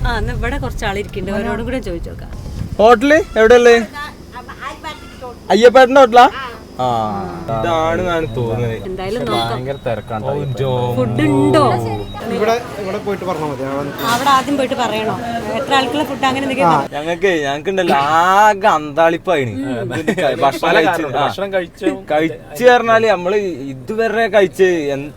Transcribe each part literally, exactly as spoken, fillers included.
ആ എന്നാ ഇവിടെ കുറച്ച് ആളിരിക്കുന്നുണ്ട്, അവരോടും കൂടെ ചോദിച്ചു നോക്കാം. ഹോട്ടല് എവിടെയല്ലേ? അയ്യപ്പേട്ടന്റെ ഹോട്ടലാ? ആ ഇതാണ് തോന്നുന്നത്. എന്തായാലും നോക്കാം. ഫുഡ് ഉണ്ടോ ഇവിടെ ഇവിടെ പോയിട്ട് പറഞ്ഞാൽ മതി. അവിടെ ആദ്യം പോയിട്ട് പറയണോ എത്ര ആൾക്കുള്ള ഫുഡ് അങ്ങനെ എന്തൊക്കെയാ? ഞങ്ങക്ക് ഞങ്ങക്ക് ഉണ്ടല്ലോ ആകെ അന്താളിപ്പായിന് ഭക്ഷണം കഴിച്ചു കഴിച്ചു പറഞ്ഞാല് നമ്മള് ഇതുവരെ കഴിച്ച്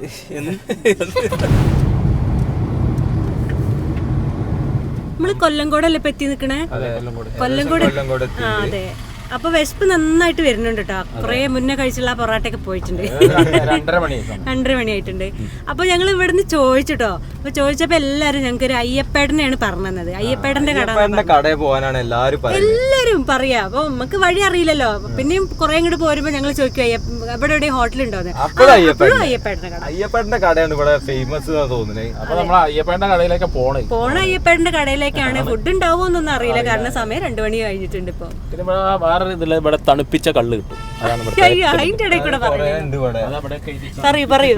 നമ്മള് കൊല്ലംകോടല്ലേ ഇപ്പൊ എത്തി നിക്കണേ? കൊല്ലംകോട്. ആ അതെ. അപ്പൊ വിശപ്പ് നന്നായിട്ട് വരുന്നുണ്ട് കേട്ടോ. കുറെ മുന്നേ കഴിച്ചുള്ള പൊറോട്ടയൊക്കെ പോയിട്ടുണ്ട്. രണ്ടര മണി ആയിട്ടുണ്ട്. അപ്പൊ ഞങ്ങൾ ഇവിടുന്ന് ചോദിച്ചിട്ടോ. അപ്പൊ ചോദിച്ചപ്പോ എല്ലാരും ഞങ്ങൾക്ക് ഒരു അയ്യപ്പേട്ടനെയാണ് പറഞ്ഞത്. അയ്യപ്പേട്ടന്റെ കട കടയിൽ പോകാനാണ് എല്ലാരും എല്ലാരും പറയാ. അപ്പൊ നമുക്ക് വഴി അറിയില്ലല്ലോ. പിന്നെയും കുറെ ഇങ്ങോട്ട് പോരുമ്പോ ഞങ്ങൾ ചോദിക്കും ഇവിടെ എവിടെ ഹോട്ടലുണ്ടോന്ന്. അപ്പോഴും അയ്യപ്പേട്ടന്റെ കട അയ്യപ്പേട്ടന്റെ കടയാണ് ഇവിടെ ഫേമസ് തോന്നുന്നത്. അപ്പൊ നമ്മൾ അയ്യപ്പേട്ടന്റെ കടയിലേക്ക് പോണേ പോണ അയ്യപ്പേട്ടന്റെ കടയിലേക്കാണ്. ഫുഡ് ഉണ്ടാവുമോന്നൊന്നും അറിയില്ല, കാരണം സമയം രണ്ടു മണി കഴിഞ്ഞിട്ടുണ്ട്. ഇപ്പൊ ഇതില് ഇവിടെ തണുപ്പിച്ച കള്ള് കിട്ടും. അതിന്റെ ഇടയിൽ കൂടെ പറയൂ പറയൂ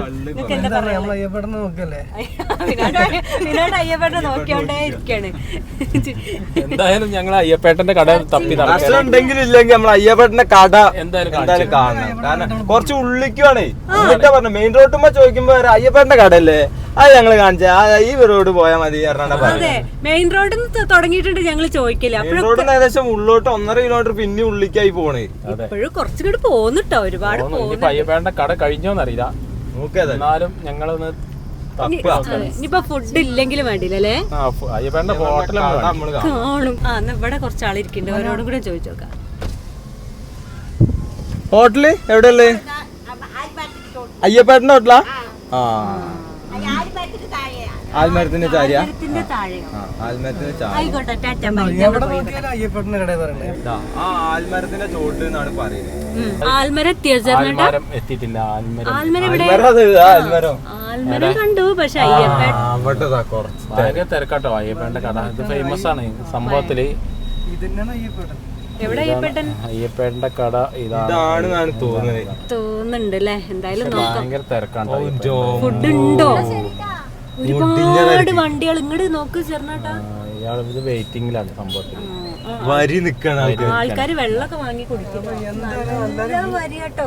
വിനോദ് അയ്യപ്പേട്ടനെ നോക്കിയോണ്ടേ ഇരിക്കാണ്. എന്തായാലും ഞങ്ങൾ അയ്യപ്പേട്ടന്റെ കട തപ്പി ഉണ്ടെങ്കിലും ഇല്ലെങ്കിൽ നമ്മൾ അയ്യപ്പേട്ടന്റെ കട എന്തായാലും കാണണം. കാരണം കുറച്ച് ഉള്ളിക്കുവാണേ. എന്നിട്ടാ പറഞ്ഞു മെയിൻ റോഡുമ്പോ ചോദിക്കുമ്പോ അയ്യപ്പേട്ടന്റെ കടയല്ലേ, അത് ഞങ്ങള് കാണിച്ച ഈ റോഡ് പോയാൽ മതി. അതെ, മെയിൻ റോഡിൽ നിന്ന് തുടങ്ങിയിട്ടുണ്ട് ഞങ്ങൾ ചോദിക്കില്ല. റോഡിന് ഏകദേശം ഉള്ളോട്ട് ഒന്നര കിലോമീറ്റർ പിന്നെ ഉള്ളിക്കായി പോണേ. ഇപ്പോഴും കുറച്ചുകൂടി പോന്നിട്ടോ, ഒരുപാട് അയ്യപ്പേട്ടന്റെ കട കഴിഞ്ഞോന്നറിയില്ല. എന്നാലും ഞങ്ങളൊന്ന് ഇനിയിപ്പോ ഫുഡ് ഇല്ലെങ്കിലും വേണ്ടില്ലല്ലേ അയ്യപ്പേട്ടന്റെ ഹോട്ടൽ കാണും. ആ എന്നാ ഇവിടെ കുറച്ച് ആളിരിക്കുന്നുണ്ട്, അവരോടും കൂടെ ചോദിച്ചു നോക്കാം. ഹോട്ടല് എവിടെയല്ലേ? അയ്യപ്പേട്ടന്റെ ഹോട്ടലാ? ആ ആൽമരത്തിന്റെ ചാരിയ ആൽമരത്തിന്റെ ചോട്ട് എന്നാണ് പറയുന്നത്. ആൽമരം എത്തിയിട്ടില്ല. ആൽമരം കണ്ടു, പക്ഷെ ഭയങ്കര തിരക്കാട്ടോ അയ്യപ്പേട്ടന്റെ കട. ഇത് ഫേമസ് ആണ് സംഭവത്തില്. എവിടെ അയ്യപ്പേട്ടൻ? അയ്യപ്പേട്ടന്റെ കട ഇതാണ് തോന്നുന്നത് തോന്നുന്നുണ്ട് അല്ലേ? എന്തായാലും ഭയങ്കര തിരക്കാട്ടോ. ഫുഡ് ഉണ്ടോ? ഒരുപാട് വണ്ടികൾ ഇങ്ങോട്ട് നോക്ക് ചേർന്നാട്ടാ. ഇത് വെയിറ്റിംഗിലാണ് സംഭവത്തിൽ. വരി നിക്കണ ആൾക്കാര് വെള്ളമൊക്കെ വാങ്ങി കുടിക്കും. വരിയാട്ടോ.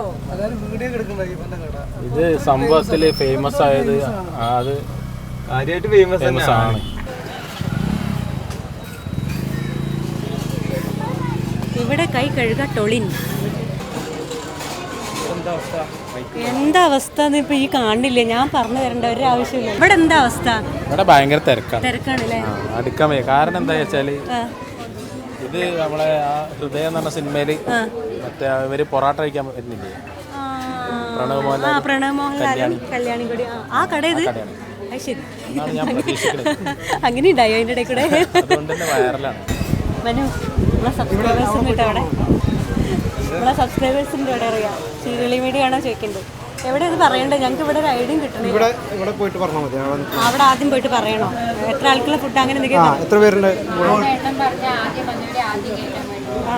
ഇത് സംഭവത്തില് ഫേമസ് ആയത് അത് കാര്യമായിട്ട് ഫേമസ് ആണ്. ഇവിടെ കൈ കഴുക ടൊളിൻ. എന്താ അവസ്ഥ ഇപ്പൊ ഈ കാണില്ലേ? ഞാൻ പറഞ്ഞു തരേണ്ട ഒരു ആവശ്യമില്ല. ഇവിടെ എന്താ അവസ്ഥ? ഇവിടെ ഭയങ്കര തിരക്കാണ്. തിരക്കാണല്ലേ? അടുക്കാൻ വയ്യ. കാരണം എന്താ വെച്ചാല് ഇത് നമ്മളെ ആ ഹൃദയം എന്ന് പറഞ്ഞ സിനിമയില് മറ്റേ ഇവര് പൊറാട്ട കഴിക്കാൻ വരുന്നില്ലേ, പ്രണവ് മോഹൻലാൽ പ്രണവ് മോഹൻലാലും കല്യാണി കൂടി ആ കട ഇത്. ശരി, ഞാൻ പ്രതീക്ഷിക്കുന്നത്. അങ്ങനെ ഉണ്ടായോ അതിന്റെ ഇടയിൽ കൂടെ? അതുകൊണ്ട് തന്നെ വൈറലാണ്. മനു നമ്മളെ സബ്സ്ക്രൈബേഴ്സിൻ്റെ അവിടെ നമ്മളെ സബ്സ്ക്രൈബേഴ്സിൻ്റെ അവിടെ അറിയാം സീരിയലി മീഡിയ ആണോ ചോദിക്കുന്നത്. എവിടെ ഇത് പറയണ്ടേ? ഞങ്ങൾക്ക് ഇവിടെ ഒരു ഐഡിയും കിട്ടണേ. ഇവിടെ ഇവിടെ പോയിട്ട് പറഞ്ഞാൽ മതി. അവിടെ ആദ്യം പോയിട്ട് പറയണോ എത്ര ആൾക്കുള്ള ഫുഡ് അങ്ങനെ എന്തൊക്കെയാ? എത്ര പേരുണ്ട്? ആ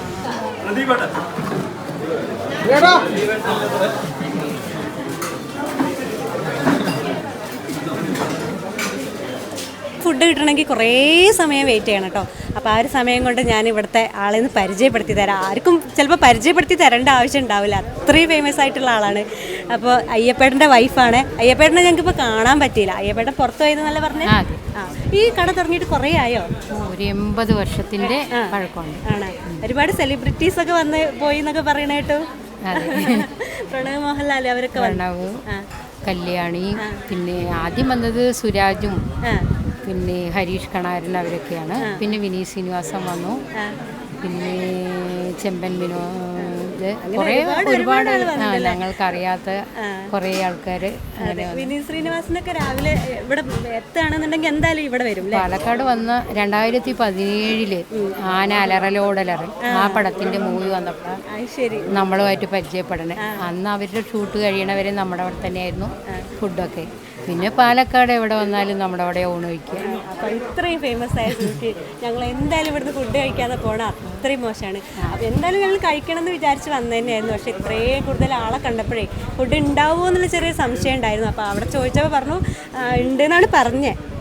ഫുഡ് കിട്ടണമെങ്കിൽ കുറേ സമയം വെയിറ്റ് ചെയ്യണം കേട്ടോ. അപ്പോൾ ആ ഒരു സമയം കൊണ്ട് ഞാൻ ഇവിടുത്തെ ആളെ നിന്ന് പരിചയപ്പെടുത്തി തരാം. ആർക്കും ചിലപ്പോൾ പരിചയപ്പെടുത്തി തരേണ്ട ആവശ്യം ഉണ്ടാവില്ല, അത്രയും ഫേമസ് ആയിട്ടുള്ള ആളാണ്. അപ്പോൾ അയ്യപ്പേട്ടൻ്റെ വൈഫാണ്. അയ്യപ്പേട്ടനെ ഞങ്ങൾക്ക് ഇപ്പോൾ കാണാൻ പറ്റിയില്ല. അയ്യപ്പേട്ടൻ പുറത്തു പോയതെന്നല്ല പറഞ്ഞേ. ആ ഈ കട തുടങ്ങിയിട്ട് കുറേ ആയോ? ഒരു എൺപത് വർഷത്തിൻ്റെ പഴക്കമുണ്ട്. ആണ്. ഒരുപാട് സെലിബ്രിറ്റീസ് ഒക്കെ വന്ന് പോയി എന്നൊക്കെ പറയണ കേട്ടു. പ്രണവ് മോഹൻലാൽ അവരൊക്കെ പ്രണവ്, കല്യാണി, പിന്നെ ആദ്യം വന്നത് സുരാജും പിന്നെ ഹരീഷ് കണാരൻ അവരൊക്കെയാണ്. പിന്നെ വിനീത് ശ്രീനിവാസൻ വന്നു, പിന്നെ ചെമ്പൻ വിനോദ്, കുറേ ഒരുപാട് ഞങ്ങൾക്കറിയാത്ത കുറേ ആൾക്കാർ. വിനീത് ശ്രീനിവാസനൊക്കെ രാവിലെ ഇവിടെ എത്തുകയാണെന്നുണ്ടെങ്കിൽ എന്തായാലും ഇവിടെ വരും. പാലക്കാട് വന്ന് രണ്ടായിരത്തി പതിനേഴില് ആന അലറലോടലറി ആ പടത്തിന്റെ മൂവി വന്നപ്പോൾ നമ്മളുമായിട്ട് പരിചയപ്പെടണേ. അന്ന് അവരുടെ ഷൂട്ട് കഴിയണവരെ നമ്മുടെ അവിടെ തന്നെയായിരുന്നു ഫുഡൊക്കെ. പിന്നെ പാലക്കാട് എവിടെ വന്നാലും നമ്മുടെ അവിടെ ഊണ് കഴിക്കുക. അപ്പോൾ ഇത്രയും ഫേമസ് ആയ സ്ഥിതിക്ക് ഞങ്ങൾ എന്തായാലും ഇവിടുന്ന് ഫുഡ് കഴിക്കാതെ പോകണം, അത്രയും മോശമാണ്. അപ്പോൾ എന്തായാലും ഞങ്ങൾ കഴിക്കണം എന്ന് വിചാരിച്ച് വന്നു തന്നെയായിരുന്നു. പക്ഷേ ഇത്രയും കൂടുതൽ ആളെ കണ്ടപ്പോഴേ ഫുഡ് ഉണ്ടാവുമോ എന്നുള്ള ചെറിയ സംശയം ഉണ്ടായിരുന്നു. അപ്പോൾ അവിടെ ചോദിച്ചപ്പോൾ പറഞ്ഞു ഉണ്ട് എന്നാണ് പറഞ്ഞത്.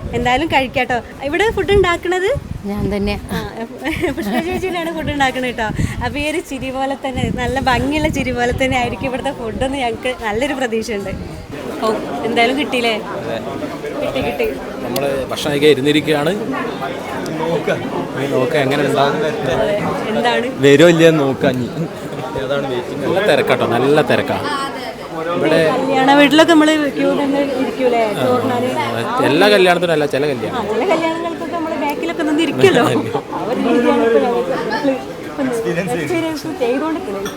എന്തായാലും കഴിക്കാട്ടോ. ഇവിടെ ഫുഡ് ഉണ്ടാക്കണത് ഞാൻ തന്നെ. പുഷ്പ ചേച്ചിയിലാണ് ഫുഡ് ഉണ്ടാക്കുന്നത് കേട്ടോ. അപ്പോൾ ഈ ഒരു ചിരി പോലെ തന്നെ, നല്ല ഭംഗിയുള്ള ചിരി പോലെ തന്നെ ആയിരിക്കും ഇവിടുത്തെ ഫുഡെന്ന് ഞങ്ങൾക്ക് നല്ലൊരു പ്രതീക്ഷയുണ്ട്. ഓ എന്തായാലും കിട്ടിയില്ലേ? കിട്ടി കിട്ടി. നമ്മൾ ഭക്ഷണം കഴിക്കാൻ ഇരുന്നിരിക്കുകയാണ്. നോക്കാം എങ്ങനെ ഉണ്ടാകും, എന്താണ് വരുമോ ഇല്ല നോക്കാം. നല്ല തിരക്കാട്ടോ, നല്ല തിരക്കാണ് ഇവിടെ. കല്യാണ വീട്ടിലൊക്കെ നമ്മൾ ക്യൂ തന്നെ ഇരിക്കൂലേ ചോറിനാല്? എല്ലാ കല്യാണത്തിനും അല്ല, ചില കല്യാണം ആ ചില കല്യാണങ്ങൾക്കൊക്കെ നമ്മൾ ബാക്കിലൊക്കെ നിന്ന് ഇരിക്കുമല്ലോ. അവർ രീതിയാണ് എക്സ്പീരിയൻസ് ചെയ്തുകൊണ്ടിരിക്കുന്നത്.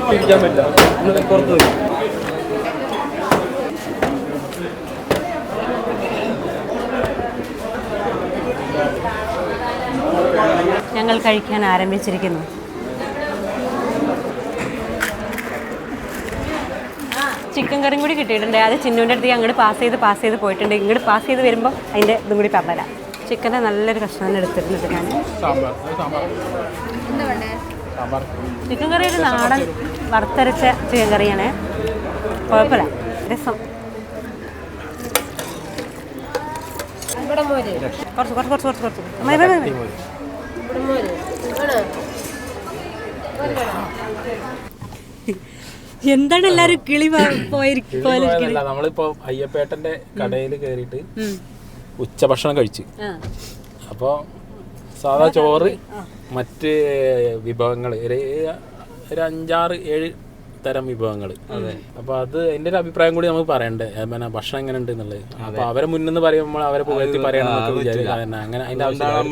ഞങ്ങൾ കഴിക്കാൻ ആരംഭിച്ചിരിക്കുന്നു. ചിക്കൻ കറിയും കൂടി കിട്ടിയിട്ടുണ്ട്. അത് ചിന്നുവിൻ്റെ അടുത്ത് അങ്ങോട്ട് പാസ് ചെയ്ത് പാസ് ചെയ്ത് പോയിട്ടുണ്ട്. ഇങ്ങോട്ട് പാസ് ചെയ്ത് വരുമ്പോൾ അതിൻ്റെ ഇതും കൂടി പറഞ്ഞുതരാം. ചിക്കൻ്റെ നല്ലൊരു കഷ്ണം എടുത്തിരുന്നത് ഞാൻ. ചിക്കൻ കറി ഒരു നാടൻ വറുത്തരച്ച ചിക്കൻ കറിയാണ്. കുഴപ്പമില്ല, രസം. കുറച്ച് കുറച്ച് കുറച്ച് കുറച്ച് കുറച്ച് മതി മതി മതി. എന്താണ് എല്ലാരും കിളി പോയിരിക്കും? നമ്മളിപ്പോ അയ്യപ്പേട്ടന്റെ കടയിൽ കയറിയിട്ട് ഉച്ചഭക്ഷണം കഴിച്ച്, അപ്പോൾ സാധാ ചോറ്, മറ്റ് വിഭവങ്ങൾ, ഒരു അഞ്ചാറ് ഏഴ് തരം വിഭവങ്ങൾ. അപ്പൊ അത് അതിന്റെ ഒരു അഭിപ്രായം കൂടി നമുക്ക് പറയണ്ടേ, പിന്നെ ഭക്ഷണം എങ്ങനെ ഉണ്ട് എന്നുള്ളത്. അപ്പൊ അവരെ മുന്നിൽ പറയുമ്പോൾ അവരെ പുകഴ്ത്തി പറയണം അങ്ങനെ. അതിന്റെ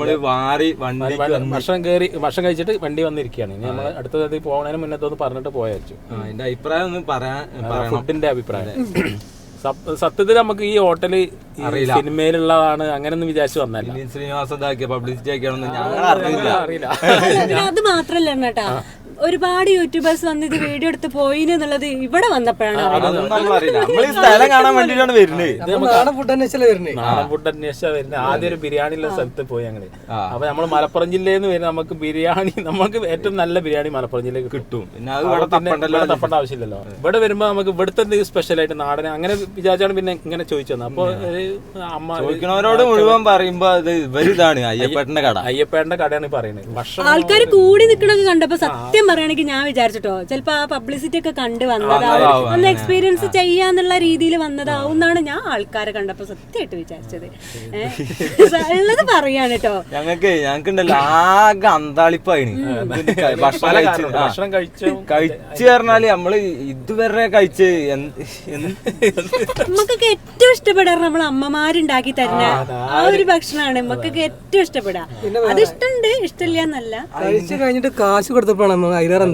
ആവശ്യം ഭക്ഷണം കയറി ഭക്ഷണം കഴിച്ചിട്ട് വണ്ടി വന്നിരിക്കുകയാണ്. ഇനി നമ്മൾ അടുത്തത് പോകുന്നതിന് മുന്നത്തൊന്ന് പറഞ്ഞിട്ട് പോയച്ചു അതിന്റെ അഭിപ്രായം ഒന്ന് പറയാൻ, ഫുഡിന്റെ അഭിപ്രായം. സത്യത്തിൽ നമുക്ക് ഈ ഹോട്ടല് സിനിമയിലുള്ളതാണ് അങ്ങനെയൊന്നും വിചാരിച്ചു വന്നല്ല. ശ്രീനിവാസ പബ്ലിസിറ്റി ആക്കിയാണെന്ന് ഞങ്ങൾ അറിയില്ല അറിയില്ല അത് മാത്രല്ല കേട്ടാ, ഒരുപാട് യൂട്യൂബേഴ്സ് വന്ന് ഇത് വീഡിയോ എടുത്ത് പോയിന് എന്നുള്ളത് ഇവിടെ വന്നപ്പോഴാണ്. സ്ഥലം കാണാൻ വേണ്ടിട്ടാണ് വരുന്നത്. നാടൻ ഫുഡ് അന്വേഷിച്ചാ വരുന്നത്. നാടൻ ഫുഡ് അന്വേഷിച്ചാ വരുന്നത്. ആദ്യം ഒരു ബിരിയാണിയുള്ള സ്ഥലത്ത് പോയി ഞങ്ങള്. അപ്പൊ നമ്മള് മലപ്പുറം ജില്ലയിൽ നിന്ന് വരുന്ന നമുക്ക് ബിരിയാണി, നമുക്ക് ഏറ്റവും നല്ല ബിരിയാണി മലപ്പുറം ജില്ലയിൽ കിട്ടും. പിന്നെ അത് ഇവിടെ തപ്പേണ്ട ആവശ്യമില്ലല്ലോ. ഇവിടെ വരുമ്പോ നമുക്ക് ഇവിടുത്തെ എന്തെങ്കിലും സ്പെഷ്യൽ ആയിട്ട് നാടനെ അങ്ങനെ വിചാരിച്ചാണ് പിന്നെ ഇങ്ങനെ ചോദിച്ചു തന്നെ. അപ്പൊ അമ്മ ചോദിക്കണവരോട് മുഴുവൻ പറയുമ്പോ അത് ഇവരിതാണ് അയ്യപ്പേട്ടന്റെ കട. അയ്യപ്പേട്ടന്റെ കടയാണ് പറയുന്നത്. ഭക്ഷണം ആൾക്കാർ കൂടി നിൽക്കണൊക്കെ കണ്ടപ്പോ സത്യം പറയുകയാണെങ്കിൽ ഞാൻ വിചാരിച്ചിട്ടോ ചിലപ്പോ ആ പബ്ലിസിറ്റി ഒക്കെ കണ്ട് വന്നതാവും, ഒന്ന് എക്സ്പീരിയൻസ് ചെയ്യാന്നുള്ള രീതിയിൽ വന്നതാവും എന്നാണ് ഞാൻ ആൾക്കാരെ കണ്ടപ്പോ സത്യമായിട്ട് വിചാരിച്ചത്. ഉള്ളത് പറയാണ് കേട്ടോ. ഞങ്ങൾക്ക് ഞങ്ങൾക്കുണ്ടല്ലോ ആകെ അന്താളിപ്പായിന് ഭക്ഷണം കഴിച്ചു കഴിച്ചു പറഞ്ഞാല് നമ്മള് ഇതുവരെ കഴിച്ച് നമുക്കൊക്കെ ഏറ്റവും ഇഷ്ടപ്പെടാറ് നമ്മളെ അമ്മമാരുണ്ടാക്കി തരുന്ന ആ ഒരു ഭക്ഷണമാണ് നമുക്കൊക്കെ ഏറ്റവും ഇഷ്ടപ്പെടാ. അത് ഇഷ്ടമുണ്ട്, ഇഷ്ടമില്ല എന്നല്ല. കഴിച്ചു കഴിഞ്ഞിട്ട് കാശ് കൊടുത്തപ്പോഴാണ്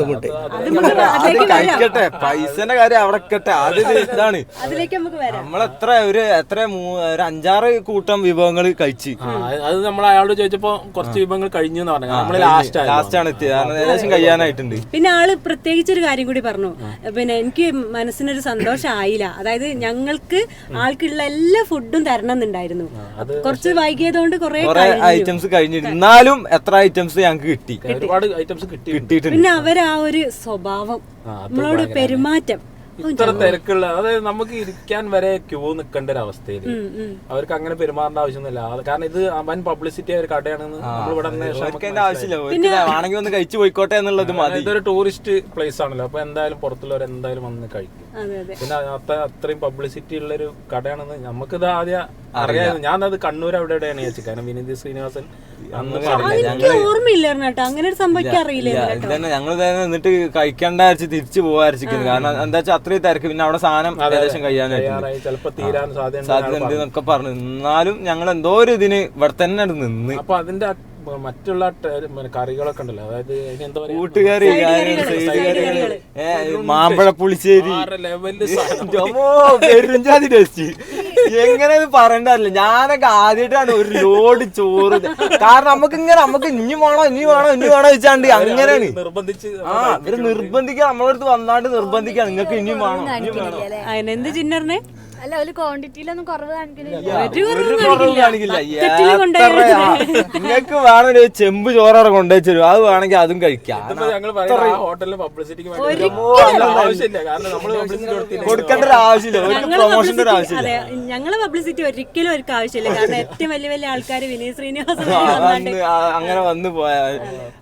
കഴിക്കട്ടെ, പൈസന്റെ കാര്യം അവിടെ കട്ടെ. അത് ഇതാണ്, അതിലേക്ക് നമുക്ക് വരാം. നമ്മളെത്ര ഒരു എത്ര ഒരു അഞ്ചാറ് കൂട്ടം വിഭവങ്ങൾ കഴിച്ച്. അത് നമ്മൾ അയാളോട് ചോദിച്ചപ്പോ കുറച്ച് വിഭവങ്ങൾ കഴിഞ്ഞു എന്ന് പറഞ്ഞു. നമ്മള് ലാസ്റ്റ് ലാസ്റ്റ് ആണ് എത്തിയത്, ഏകദേശം കഴിയാനായിട്ടുണ്ട്. പിന്നെ ആള് പ്രത്യേകിച്ച് ഒരു കാര്യം കൂടി പറഞ്ഞു. പിന്നെ എനിക്ക് മനസ്സിനൊരു സന്തോഷം ആയില്ല. അതായത് ഞങ്ങൾക്ക് ആൾക്കുള്ള എല്ലാ ഫുഡും തരണം എന്നുണ്ടായിരുന്നു. കുറച്ച് വൈകിയതുകൊണ്ട് കുറെ ഐറ്റംസ് കഴിഞ്ഞിരുന്നാലും എത്ര ഐറ്റംസ് ഞങ്ങൾക്ക് കിട്ടി, ഒരുപാട് ഐറ്റംസ് കിട്ടിയിട്ടുണ്ട്. പിന്നെ അവര് ആ ഒരു സ്വഭാവം, നമ്മളോട് പെരുമാറ്റം, ഇത്ര തിരക്കുള്ള, അതായത് നമുക്ക് ഇരിക്കാൻ വരെ ക്യൂ നിൽക്കേണ്ട ഒരു അവസ്ഥയിൽ അവർക്ക് അങ്ങനെ പെരുമാറേണ്ട ആവശ്യമൊന്നുമില്ല. കാരണം ഇത് വൻ പബ്ലിസിറ്റി ഒരു കടയാണെന്ന് നമ്മളിവിടെ ആവശ്യമില്ല, ആണെങ്കിൽ ഒന്ന് കഴിച്ചു പോയിക്കോട്ടെ എന്നുള്ളത് മതി. ഇതൊരു ടൂറിസ്റ്റ് പ്ലേസ് ആണല്ലോ, അപ്പൊ എന്തായാലും പുറത്തുള്ളവർ എന്തായാലും വന്ന് കഴിക്കും. പിന്നെ അത്ര അത്രയും പബ്ലിസിറ്റി ഉള്ള ഒരു കടയാണെന്ന് നമുക്കിത് ആദ്യം അറിയാമായിരുന്നു. ഞാൻ അത് കണ്ണൂർ അവിടെ എവിടെയാണ് ചോദിച്ചത്. കാരണം വിനീത് ശ്രീനിവാസൻ ഓർമ്മയില്ലായിരുന്നു കേട്ടോ, അങ്ങനെ ഒരു സംഭവിക്കാൻ അറിയില്ല. ഞങ്ങൾ എന്നിട്ട് കഴിക്കേണ്ട തിരിച്ചു പോകാതിരിക്കുന്നത്. കാരണം എന്താ വെച്ചാൽ അത്രയും തിരക്ക്, പിന്നെ അവിടെ സാധനം ഏകദേശം കഴിയാനായിട്ട് ചിലപ്പോ തീരാൻ സാധ്യത ഉണ്ട് എന്നൊക്കെ പറഞ്ഞു. എന്നാലും ഞങ്ങൾ എന്തോ ഒരു ഇതിന് ഇവിടെ തന്നെ നിന്ന്. അപ്പൊ അതിന്റെ മറ്റുള്ള കറികളൊക്കെ ഉണ്ടല്ലോ, അതായത് കൂട്ടുകറി, മാമ്പഴ പുളിശ്ശേരി, പെരുംജാതി ടേസ്റ്റ്, എങ്ങനെ പറയണ്ടല്ല. ഞാനൊക്കെ ആദ്യമായിട്ടാണ് ഒരു ലോഡ് ചോറ്. കാരണം നമുക്ക് ഇങ്ങനെ നമുക്ക് ഇനി വേണോ ഇനി വേണോ ഇനി വേണോ വെച്ചാണ്ട് അങ്ങനെയാണ് നിർബന്ധിച്ച്. ആ ഇവര് നിർബന്ധിക്കാൻ, നമ്മളടുത്ത് വന്നാണ്ട് നിർബന്ധിക്കാൻ, നിങ്ങൾക്ക് ഇനിയും വേണോ ഇനിയും വേണോ. എന്ത് ചിന്നറിനെ അല്ല ഒരു ക്വാണ്ടിറ്റിയിലൊന്നും കുറവ് കാണിക്കുന്നില്ല. ഒരു കുറവും കാണിക്കില്ല. ബക്കറ്റില് കൊണ്ടുപോയി നിങ്ങൾക്ക് വേണമെങ്കിൽ ഒരു ചെമ്പ് ചോറ കൊണ്ടുവച്ചു അത് വേണമെങ്കിൽ അതും കഴിക്കാം. ഞങ്ങൾ പറയുന്നത് ആ ഹോട്ടലിൽ പബ്ലിസിറ്റിക്ക് വേണ്ടി ആവശ്യമില്ല. കാരണം നമ്മള് പബ്ലിസിറ്റി കൊടുത്തില്ല, കൊടുക്കേണ്ട ഒരു ആവശ്യമില്ല, ഒരു പ്രൊമോഷന്റെ ഒരു ആവശ്യമില്ല. അതെ, ഞങ്ങളെ പബ്ലിസിറ്റി ഒരിക്കലും അവർക്ക് ആവശ്യമില്ല. കാരണം ഏറ്റവും വലിയ വലിയ ആൾക്കാർ വിനീത് ശ്രീനിവാസൻ വന്ന് ആ- അങ്ങനെ വന്ന് പോയാൽ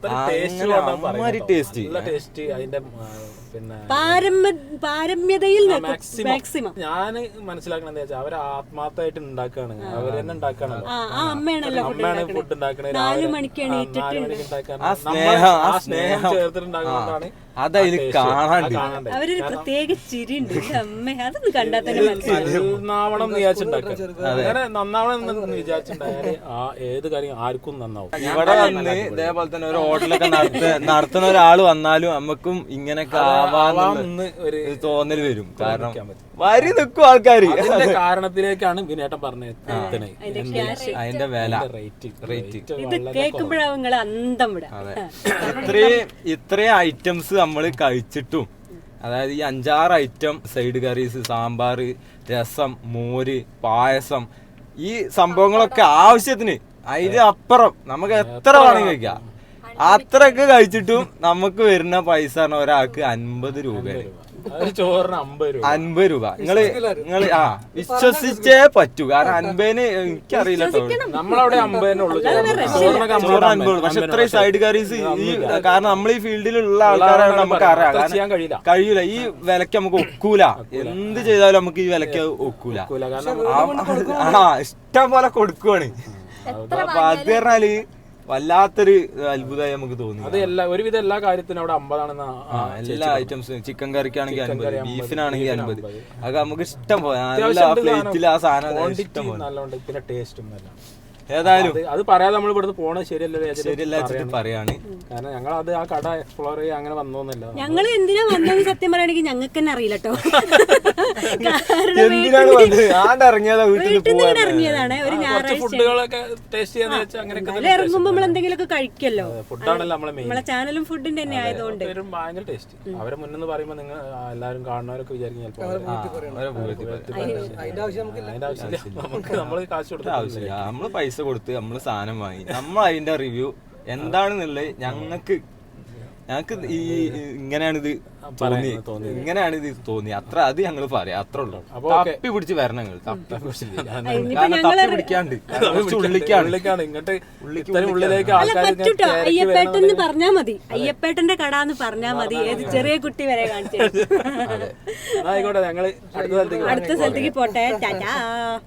ടേസ്റ്റ് ടേസ്റ്റ് അതിന്റെ ആ, പിന്നെ പാരമ്യ പാരമ്യതയിൽ മാക്സിമം ഞാൻ മനസ്സിലാക്കണത് എന്താ വെച്ചാൽ അവര് ആത്മാർത്ഥമായിട്ട് ഉണ്ടാക്കാണ്, അവര് തന്നെ ഉണ്ടാക്കാണല്ലോ. ആ ആ അമ്മയാണല്ലോ food അമ്മയാണ് ഉണ്ടാക്കണത്. ഫുഡ് ഉണ്ടാക്കണത്. നാല് മണിക്ക് എണീറ്റിട്ട് നാല് മണിക്ക് ഉണ്ടാക്കാണ്. ആ നമ്മൾ സ്നേഹം, ആ ആ സ്നേഹം സ്നേഹം. ചേർത്തിട്ടുണ്ടാക്കുന്നതാണ് അതതിൽ കാണാണ്ട്. അവരൊരു പ്രത്യേക ചിരിയുണ്ട്. അമ്മ അതൊന്ന് കണ്ടാൽ തന്നെ മനസ്സിലാവും. നന്നാവണം എന്ന് വിചാരിച്ചിട്ടുണ്ടാക്കുക. അങ്ങനെ നന്നാവണം എന്ന് വിചാരിച്ചിട്ടുണ്ടായാല് ആ ഏത് കാര്യം ആർക്കും നന്നാവും. ഇവിടെ വന്ന് ഇതേപോലെ തന്നെ ഒരു ഹോട്ടലൊക്കെ നടത്ത നടത്തുന്ന ഒരാള് വന്നാലും നമുക്കും ഇങ്ങനെയൊക്കെ ആവാന്ന് ഒരു തോന്നല് വരും. കാരണം വരി നിൽക്കും ആൾക്കാര്. അതിന്റെ കാരണത്തിലേക്കാണ് വിനേട്ടൻ പറഞ്ഞത് അതിന്റെ വില റേറ്റ് റേറ്റ് ഇത് കേൾക്കുമ്പോഴാവും നിങ്ങൾ അന്തം വിടാം. ഇത്രയും ഇത്രയും ഐറ്റംസ് നമ്മൾ കഴിച്ചിട്ടും, അതായത് ഈ അഞ്ചാറ് ഐറ്റം സൈഡ് കറീസ്, സാമ്പാർ, രസം, മോര്, പായസം, ഈ സംഭവങ്ങളൊക്കെ ആവശ്യത്തിന് അതിന് അപ്പുറം നമുക്ക് എത്ര വേണമെങ്കിൽ കഴിക്കാം. അത്രയൊക്കെ കഴിച്ചിട്ടും നമുക്ക് വരുന്ന പൈസ ഒരാൾക്ക് അൻപത് രൂപയാണ്. ഒരു ചോറിന് അമ്പത് രൂപ അൻപത് രൂപ നിങ്ങള് നിങ്ങള് ആ വിശ്വസിച്ചേ പറ്റൂ. കാരണം അൻപതിന് എനിക്കറിയില്ല കേട്ടോ, നമ്മളവിടെ അമ്പതിനെ ഉള്ളു ചോറിനൊക്കെ ചോറ് അൻപത് ഉള്ളൂ. പക്ഷെ ഇത്രയും സൈഡ് കറീസ് ഈ കാരണം നമ്മൾ ഈ ഫീൽഡിലുള്ള ആൾക്കാരാണ് നമുക്ക് അറിയാം. ചെയ്യാൻ കഴിയില്ല കഴിയൂല, ഈ വിലക്ക് നമുക്ക് ഒക്കൂല. എന്ത് ചെയ്താലും നമുക്ക് ഈ വിലക്ക് ഒക്കൂല. കാരണം ആ ഇഷ്ടം പോലെ കൊടുക്കുവാണ്. അപ്പൊ അത് പറഞ്ഞാല് വല്ലാത്തൊരു അത്ഭുതമായി നമുക്ക് തോന്നി. അത് എല്ലാ ഒരുവിധം എല്ലാ കാര്യത്തിനും അവിടെ അമ്പതാണെന്ന് എല്ലാ ഐറ്റംസും ചിക്കൻ കറിക്കാണെങ്കിൽ അൻപത്, ബീഫിനാണെങ്കിൽ അൻപത്. അത് നമുക്ക് ഇഷ്ടം പോലെ നല്ല പ്ലേറ്റിൽ ആ സാധനം ഇഷ്ടം പോലെ. നല്ലോണ്ട്. പിന്നെ ടേസ്റ്റും നല്ല. ഏതായാലും അത് പറയാതെ നമ്മൾ ഇവിടുന്ന് പോണത് ശരിയല്ലേ ശരിയല്ല പറയാണ്. കാരണം ഞങ്ങൾ അത് ആ കട എക്സ്പ്ലോർ ചെയ്യാൻ അങ്ങനെ വന്നോന്നില്ല. ഞങ്ങൾ എന്തിനാ വന്നത് സത്യം പറയുകയാണെങ്കിൽ ഞങ്ങൾക്ക് തന്നെ അറിയില്ല കേട്ടോ. എന്തിനാണ് വന്നത്? ആണ്ട് ഇറങ്ങിയതാ വീട്ടിൽ വീട്ടിൽ നിന്ന് ഇറങ്ങിയതാണ് ഒരു ഞായറാഴ്ച. ഫുഡുകളൊക്കെ ടേസ്റ്റ് ചെയ്യാന്ന് വെച്ചാൽ അങ്ങനെയൊക്കെ അതിൽ ഇറങ്ങുമ്പോ നമ്മൾ എന്തെങ്കിലുമൊക്കെ കഴിക്കല്ലോ. ഫുഡാണല്ലോ നമ്മളെ മെയിൻ. നമ്മളെ ചാനലും ഫുഡിന്റെ തന്നെ ആയതുകൊണ്ട് പേരും ഭയങ്കര ടേസ്റ്റ്. അവരെ മുന്നെന്ന് പറയുമ്പോ നിങ്ങൾ എല്ലാവരും കാണുന്നവരൊക്കെ വിചാരിക്കും ചിലപ്പോൾ അതിന്റെ ആവശ്യം നമുക്ക് അതിന്റെ ആവശ്യമില്ല. നമുക്ക് നമ്മള് കാശ് കൊടുത്ത ആവശ്യമില്ല. നമ്മള് പൈസ കൊടുത്ത് നമ്മള് സാധനം വാങ്ങി നമ്മൾ അതിന്റെ റിവ്യൂ എന്താണെന്നുള്ളത് ഞങ്ങൾക്ക് ഞങ്ങൾക്ക് ഈ ഇങ്ങനെയാണിത് തോന്നി, ഇങ്ങനെയാണിത് തോന്നി, അത്ര അത് ഞങ്ങൾ പറയാം. അത്ര ഉള്ളൂ. തപ്പി പിടിച്ച് വരണം നിങ്ങൾ. തപ്പി പിടിക്കാണ്ട് ഉള്ളിലേക്കാണ് ഇങ്ങോട്ട് ഉള്ളിലേക്ക് അല്ല പറ്റൂട്ടോ. അയ്യപ്പേട്ടെന്ന് പറഞ്ഞാ മതി, അയ്യപ്പേട്ടന്റെ കട എന്ന് പറഞ്ഞാ മതി. ഏത് ചെറിയ കുട്ടി വരെ കാണിച്ചു. ആയിക്കോട്ടെ, ഞങ്ങള് അടുത്ത സ്ഥലത്തേക്ക് അടുത്ത സ്ഥലത്തേക്ക് പോട്ടെ. ടാറ്റാ.